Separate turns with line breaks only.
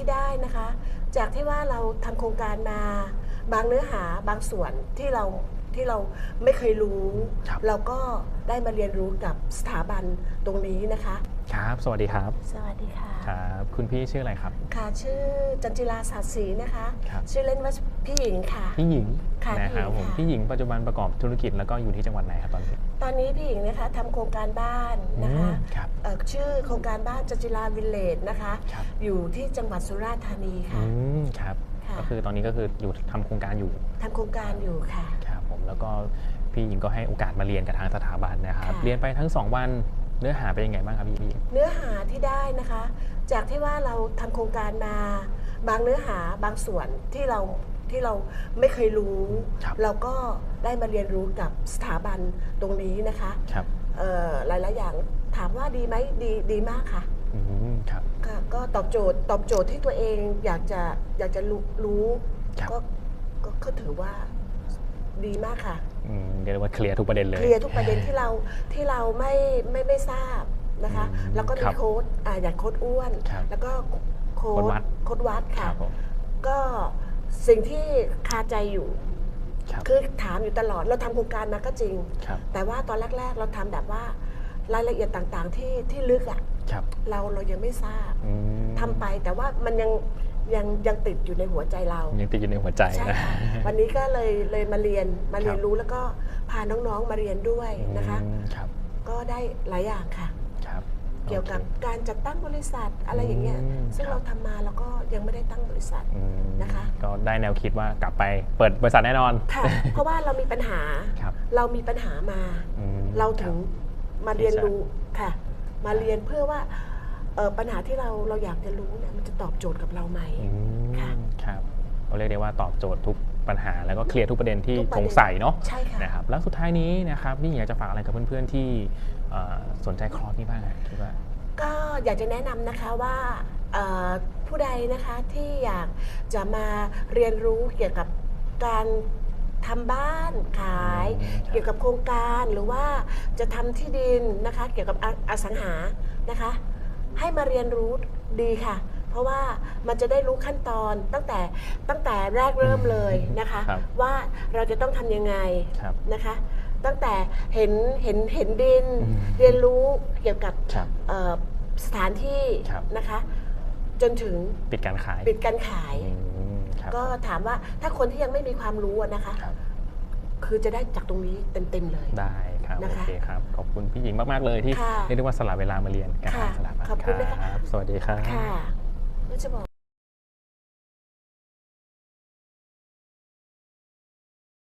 ที่ได้นะคะจากที่ว่าเราทำโครงการมาบางเนื้อหาบางส่วนที่เราไม่เคยรู้เราก็ได้มาเรียนรู้กับสถาบันตรงนี้นะคะ
ครับสวัสดีครับ
สวัสดีค่ะ
ครับคุณพี่ชื่ออะไรครับ
ค่ะชื่อจันจิราศาสตร์ศรีนะคะชื่อเล่นว่าพี่หญิงค่ะ
พี่หญิง
ค่ะ
นะครับผมพี่หญิงปัจจุบันประกอบธุรกิจแล้วก็อยู่ที่จังหวัดไหนครับตอนนี้
พี่หญิงนะคะทำโครงการบ้านนะคะชื่อโครงการบ้านจันจิราวิลเลจนะคะอยู่ที่จังหวัดสุราษฎร์ธานีค่ะ
ครับก็คือตอนนี้ก็คืออยู่ทำโครงการอยู่
ค่ะ
ครับผมแล้วก็พี่หญิงก็ให้โอกาสมาเรียนกับทางสถาบันนะครับเรียนไปทั้ง2วันเนื้อหาเป็นยังไงบ้างครับพี่หญิง
เนื้อหาที่ได้นะคะจากที่ว่าเราทำโครงการมาบางเนื้อหาบางส่วนที่เราไม่เคยรู้เราก็ได้มาเรียนรู้กับสถาบันตรงนี้นะคะหลายๆอย่างถามว่าดีไหมดีมากค่ะ
ครับ
ก็ตอบโจทย์ที่ตัวเองอยากจะรู้ก็ถือว่าดีมากค่ะ
เรียกว่าเคลียร์ทุกประเด็นเลย
เคลียร์ทุกประเด็นที่เราไม่ทราบนะคะแล้วก็มีโค้ดอย่างโค้ดอ้วนแล้วก็โค้ดวัดค่ะก็สิ่งที่คาใจอยู่คือถามอยู่ตลอดเราทำโครงการมาก็จริงแต่ว่าตอนแรกๆเราทำแบบว่ารายละเอียดต่างๆที่ลึกอ่ะเรายังไม่ทราบทำไปแต่ว่ามันยังติดอยู่ในหัวใจเรา
ยังติดอยู่ในหัวใจนะ
วันนี้ก็เลยมาเรียนรู้แล้วก็พาน้องๆมาเรียนด้วยนะคะก็ได้หลายอย่างค่ะเกี่ยวกับการจัดตั้งบริษัทอะไรอย่างเงี้ยซึ่งเราทำมาแล้วก็ยังไม่ได้ตั้งบริษัทนะคะ
ก็ได้แนวคิดว่ากลับไปเปิดบริษัทแน่นอน
ค่ะเพราะว่าเรามีปัญหามาเราถึงมาเรียนรู้ค่ะมาเรียนเพื่อว่าปัญหาที่เราอยากจะรู้เนี่ยมันจะตอบโจทย์กับเราไหม
ค่ะครับเราเรียกได้ว่าตอบโจทย์ทุกปัญหาแล้วก็เคลียร์ทุกประเด็นที่สงสัยเนาะ
ใช่ค่ะ
นะครับแล้วสุดท้ายนี้นะครับพี่อยากจะฝากอะไรกับเพื่อนๆที่สนใจคอร์สนี้บ้างคิดว่า
ก็อยากจะแนะนำนะคะว่าผู้ใดนะคะที่อยากจะมาเรียนรู้เกี่ยวกับการทำบ้านขายเกี่ยวกับโครงการหรือว่าจะทำที่ดินนะคะเกี่ยวกับอสังหานะคะให้มาเรียนรู้ดีค่ะเพราะว่ามันจะได้รู้ขั้นตอนตั้งแต่แรกเริ่มเลยนะคะว่าเราจะต้องทำยังไงนะคะตั้งแต่เห็นดินเรียนรู้เกี่ยวกับสถานที่นะคะจนถึง
ปิดการขาย
ก็ถามว่าถ้าคนที่ยังไม่มีความรู้นะคะคือจะได้จากตรงนี้เต็มเลย
ได้ครับโอเคครับขอบคุณพี่หญิงมากๆเลยที่เรียกได้ว่าสละเวลามาเรียนกับทางสถาบัน
ขอบคุณนะคะ
สวัสดีครับ
ค่ะก็จะบอก